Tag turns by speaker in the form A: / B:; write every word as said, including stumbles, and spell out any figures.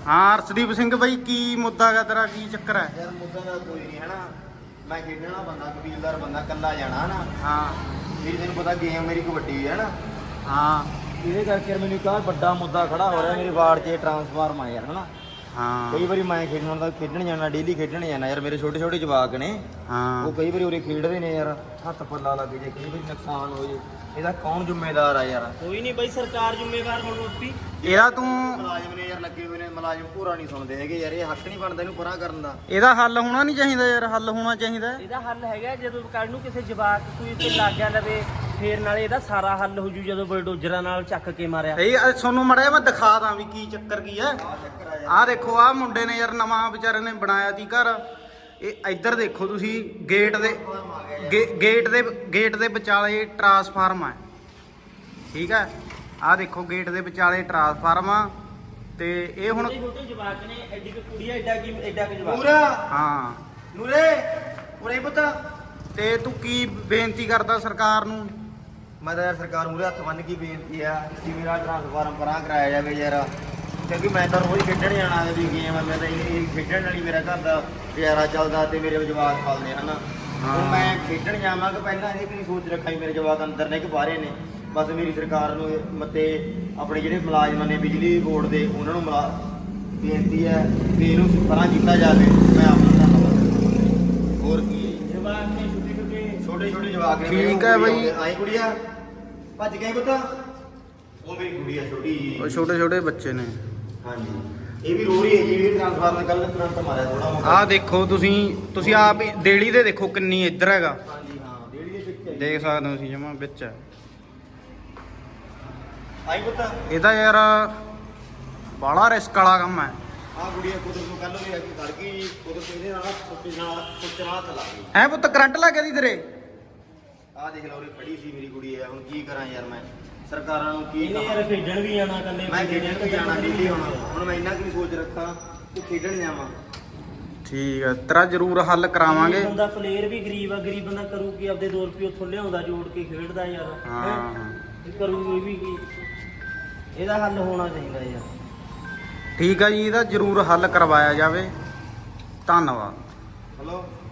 A: ਹਾਂ ਅਰਸ਼ਦੀਪ ਸਿੰਘ ਬਾਈ ਕੀ ਮੁੱਦਾ ਗਾ ਤੇਰਾ, ਕੀ ਚੱਕਰ ਹੈ?
B: ਯਾਰ ਮੁੱਦਾ ਦਾ ਕੋਈ ਨਹੀਂ ਹੈ ਨਾ, ਮੈਂ ਖੇਡਣ ਵਾਲਾ ਬੰਦਾ, ਕਬੀਲਦਾਰ ਬੰਦਾ, ਕੱਲਾ ਜਾਣਾ ਨਾ।
A: ਹਾਂ
B: ਮੇਰੀ ਤੈਨੂੰ ਪਤਾ ਗੇਮ ਮੇਰੀ ਕਬੱਡੀ ਹੈ ਨਾ।
A: ਹਾਂ
B: ਇਹਦੇ ਕਰਕੇ ਮੈਨੂੰ ਇੱਕ ਵੱਡਾ ਮੁੱਦਾ ਖੜਾ ਹੋ ਰਿਹਾ ਮੇਰੇ ਵਾਰਡ 'ਚ, ਟਰਾਂਸਫਾਰਮ ਆ ਯਾਰ ਹਨਾ।
A: ਹਾਂ
B: ਕਈ ਵਾਰੀ ਮੈਂ ਖੇਡਣ ਹੁੰਦਾ, ਖੇਡਣ ਜਾਣਾ, ਡੇਲੀ ਖੇਡਣ ਜਾਣਾ ਯਾਰ। ਮੇਰੇ ਛੋਟੇ ਛੋਟੇ ਜਵਾਕ ਨੇ,
A: ਹਾਂ
B: ਉਹ ਕਈ ਵਾਰੀ ਉਰੇ ਖੇਡਦੇ ਨੇ ਯਾਰ, ਹੱਥ ਪੱਲਾ ਲੱਗ ਜੇ, ਕਈ ਵਾਰੀ ਨੁਕਸਾਨ ਹੋ ਜੇ, ਇਹਦਾ ਕੌਣ ਜ਼ਿੰਮੇਦਾਰ ਆ ਯਾਰ?
C: ਕੋਈ ਨਹੀਂ ਬਾਈ, ਸਰਕਾਰ ਜ਼ਿੰਮੇਵਾਰ ਹੁਣ ਉੱਪੀ।
A: ਇਹਦਾ ਤੂੰ
B: ਮੁਲਾਜ਼ਮ ਨੇ ਯਾਰ ਲੱਗੇ ਹੋਏ ਨੇ, ਮੁਲਾਜ਼ਮ ਪੂਰਾ ਨਹੀਂ ਸੁਣਦੇ ਹੈਗੇ ਯਾਰ। ਇਹ ਹੱਕ ਨਹੀਂ ਬਣਦਾ ਇਹਨੂੰ ਪਰਾਂ ਕਰਨ ਦਾ।
A: ਇਹਦਾ ਹੱਲ ਹੋਣਾ ਨਹੀਂ ਚਾਹੀਦਾ ਯਾਰ, ਹੱਲ ਹੋਣਾ ਚਾਹੀਦਾ।
C: ਇਹਦਾ ਹੱਲ ਹੈਗਾ, ਜਦੋਂ ਕੱਲ ਨੂੰ ਕਿਸੇ ਜਵਾਕ ਕੋਈ ਤੇ ਲੱਗ ਗਿਆ ਲਵੇ, ਫੇਰ ਨਾਲੇ ਇਹਦਾ ਸਾਰਾ ਹੱਲ ਹੋ ਜੂ ਜਦੋਂ ਬਲਡੋਜ਼ਰਾਂ ਨਾਲ ਚੱਕ ਕੇ ਮਾਰਿਆ।
A: ਇਹ ਤੁਹਾਨੂੰ ਮੜਿਆ ਮੈਂ ਦਿਖਾ ਦਾਂ ਵੀ ਕੀ ਚੱਕਰ ਕੀ ਹੈ। ਆਹ ਦੇਖੋ ਆਹ ਮੁੰਡੇ ਨੇ ਯਾਰ ਨਵਾਂ ਵਿਚਾਰੇ ਨੇ ਬਣਾਇਆ ਸੀ ਘਰ। ਇਹ ਇੱਧਰ ਦੇਖੋ ਤੁਸੀਂ, ਗੇਟ ਦੇ ਗੇ- ਗੇਟ ਦੇ ਗੇਟ ਦੇ ਵਿਚਾਲੇ ਟਰਾਂਸਫਾਰਮ ਹੈ, ਠੀਕ ਹੈ। ਆਹ ਦੇਖੋ ਗੇਟ ਦੇ ਵਿਚਾਲੇ ਟਰਾਂਸਫਾਰਮ ਆ ਤੇ ਇਹ ਹੁਣ
C: ਛੋਟੇ ਛੋਟੇ ਜਵਾਕ ਨੇ, ਐਡੀ ਕੁ ਕੁੜੀ ਆ, ਐਡਾ ਕੀ ਐਡਾ ਕੁ ਜਵਾਕ।
B: ਪੂਰਾ
A: ਹਾਂ
B: ਨੂਰੇ ਉਰੇ ਪੁੱਤ।
A: ਤੇ ਤੂੰ ਕੀ ਬੇਨਤੀ ਕਰਦਾ ਸਰਕਾਰ ਨੂੰ?
B: ਮੈਂ ਤਾਂ ਯਾਰ ਸਰਕਾਰ ਮੂਹਰੇ ਹੱਥ ਬੰਨ੍ਹ ਕੇ ਬੇਨਤੀ ਆ ਕਿ ਮੇਰਾ ਟਰਾਂਸਫਾਰਮ ਪਰਾਂ ਕਰਾਇਆ ਜਾਵੇ ਯਾਰ। ਕਿਉਂਕਿ ਮੈਂ ਤਾਂ ਰੋਜ਼ ਖੇਡਣ ਜਾਣਾ ਵੀ ਗੇਮ ਆ, ਮੈਂ ਤਾਂ ਇਹ ਖੇਡਣ ਨਾਲ ਹੀ ਮੇਰਾ ਘਰ ਦਾ ਗੁਜ਼ਾਰਾ ਚੱਲਦਾ ਤੇ ਮੇਰੇ ਜਵਾਕ ਪਲਦੇ ਹਨ। ਹੁਣ ਮੈਂ ਖੇਡਣ ਜਾਵਾਂਗਾ, ਪਹਿਲਾਂ ਇਹ ਕਿ ਨਹੀਂ ਸੋਚ ਰੱਖਾਂ ਵੀ ਮੇਰੇ ਜਵਾਕ ਅੰਦਰ ਨੇ ਕਿ ਬਾਹਰੇ ਨੇ। ਬਸ ਮੇਰੀ ਸਰਕਾਰ ਨੂੰ ਮਤੇ ਆਪਣੇ ਜਿਹੜੇ ਮੁਲਾਜ਼ਮਾਂ ਨੇ ਬਿਜਲੀ ਬੋਰਡ ਦੇ, ਉਹਨਾਂ ਨੂੰ ਮੁਲਾ ਬੇਨਤੀ ਹੈ ਕਿ ਇਹਨੂੰ ਪਰਾਂ ਕੀਤਾ ਜਾਵੇ। ਮੈਂ ਆਪਣਾ ਧੰਨਵਾਦ। ਹੋਰ ਕੀ ਹੈ,
C: ਜਵਾਕ ਨੇ ਛੋਟੇ ਛੋਟੇ
B: ਛੋਟੇ ਛੋਟੇ ਜਵਾਕ ਨੇ।
A: ਠੀਕ ਹੈ ਬਈ।
B: ਆਈ ਕੁੜੀਆ ਭੱਜ ਗਈ ਪੁੱਤ, ਉਹ ਮੇਰੀ ਕੁੜੀ ਆ ਛੋਟੀ ਜੀ।
A: ਉਹ ਛੋਟੇ ਛੋਟੇ ਬੱਚੇ ਨੇ।
B: ਹਾਂਜੀ ਇਹ ਵੀ ਰੋ ਰਹੀ ਹੈ ਜੀ, ਇਹ ਟ੍ਰਾਂਸਫਾਰਮਰ ਕੱਲ ਕਰੰਟ ਮਾਰਿਆ ਥੋੜਾ ਮੋਟਾ।
A: ਆਹ ਦੇਖੋ ਤੁਸੀਂ ਤੁਸੀਂ ਆਪ ਹੀ ਦੇਲੀ ਦੇ ਦੇਖੋ ਕਿੰਨੀ ਇੱਧਰ ਹੈਗਾ,
B: ਹਾਂਜੀ ਹਾਂ ਡੇਢ ਦੇ ਵਿੱਚ ਹੈ।
A: ਦੇਖ ਸਕਦੇ ਹੋ ਤੁਸੀਂ ਜਮਾ ਵਿੱਚ ਹੈ।
B: ਆਈ ਪੁੱਤ
A: ਇਹਦਾ ਯਾਰ ਬਾਹਲਾ ਰਿਸਕ ਵਾਲਾ ਕੰਮ ਹੈ।
B: ਆ ਕੁੜੀਆ ਕੁਦਰ ਨੂੰ ਕੱਲ ਵੀ ਆ ਕੇ ਖੜ ਗਈ, ਕੁਦਰ ਇਹਦੇ ਨਾਲ ਸੁੱਤੇ ਨਾਲ ਸੁੱਤੇ ਨਾਲ ਚਲਾ ਗਈ।
A: ਐ ਪੁੱਤ ਕਰੰਟ ਲੱਗ ਗਿਆ ਸੀ ਤੇਰੇ?
B: ਆਹ ਦੇਖ ਲਓ ਉਰੇ ਖੜੀ ਸੀ ਮੇਰੀ ਕੁੜੀ ਆ। ਹੁਣ ਕੀ ਕਰਾਂ ਯਾਰ ਮੈਂ, ਸਰਕਾਰਾਂ ਨੂੰ ਕੀ
C: ਇਹਨੇ
B: ਕਹਾਂ।
C: ਯਾਰ ਖੇਡਣ ਵੀ ਜਾਣਾ ਕੱਲੇ।
B: ਮੈਂ ਖੇਡਣ ਵੀ ਜਾਣਾ ਡੇਲੀ। ਹੁਣ ਹੁਣ ਮੈਂ ਇੰਨਾ ਕਿ ਸੋਚ ਰੱਖਾਂ ਕਿ ਖੇਡਣ ਜਾਵਾਂ।
A: ਠੀਕ ਹੈ, ਤੇਰਾ ਜ਼ਰੂਰ ਹੱਲ ਕਰਾਵਾਂਗੇ।
C: ਇਹ ਬੰਦਾ ਪਲੇਅਰ ਵੀ ਗਰੀਬ ਆ, ਗਰੀਬ ਬੰਦਾ ਕਰੂ ਕੀ? ਆਪਦੇ ਦੋ ਰੁਪਏ ਉੱਥੋਂ ਲਿਆਉਂਦਾ ਜੋੜ ਕੇ ਖੇਡਦਾ ਯਾਰ।
A: ਹਾਂ
C: ਹੈਂ? ਇਹ ਕਰੂ ਇਹ ਵੀ ਕੀ? ਇਹਦਾ ਹੱਲ ਹੋਣਾ ਚਾਹੀਦਾ ਯਾਰ।
A: ਠੀਕ ਹੈ ਜੀ, ਇਹਦਾ ਜ਼ਰੂਰ ਹੱਲ ਕਰਵਾਇਆ ਜਾਵੇ। ਧੰਨਵਾਦ।
B: ਹਲੋ